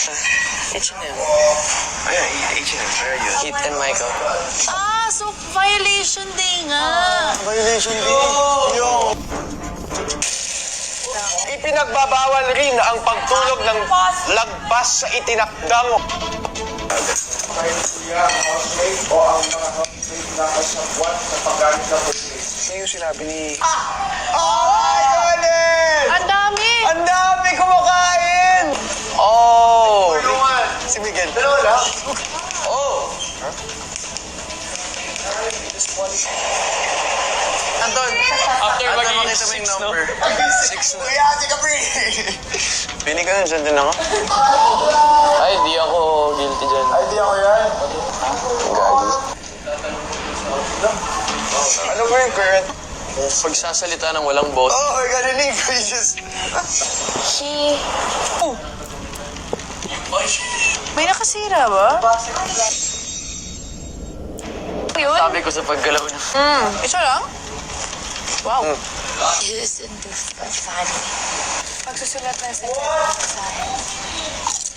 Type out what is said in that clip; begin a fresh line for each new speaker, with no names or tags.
H&M.
Ayan, H&M. Very good.
Kit and Michael.
Ah, so violation day nga.
Violation din. Yo! Ipinagbabawal rin ang pagtulog ng lagpas sa itinakdang.
Kahit kuya, housemate o ang mga housemate na kasabwat sa paggamit ng business.
Ano yung sinabi ni...
Ang dami.
Ang dami kumakain! Oh! Si Miguel.
Dalawa lang?
Oh! Anton,
After
Anton,
magiging
makita mo yung
6, no?
number. 6 na.
Kuya, si Capri!
Pini ka nun, dyan din ako.
Ay, di ako guilty dyan.
Ay, di ako yan.
Gagi. Ano ba yung current?
Pagsasalita ng walang boss.
Oh, my God, hindi ko just...
She... Oh. May nakasira ba? Yun?
Sabi ko sa paggalaw na.
Isa lang? Wow.
Isn't this a funny?
Pagsusulat ng sentence.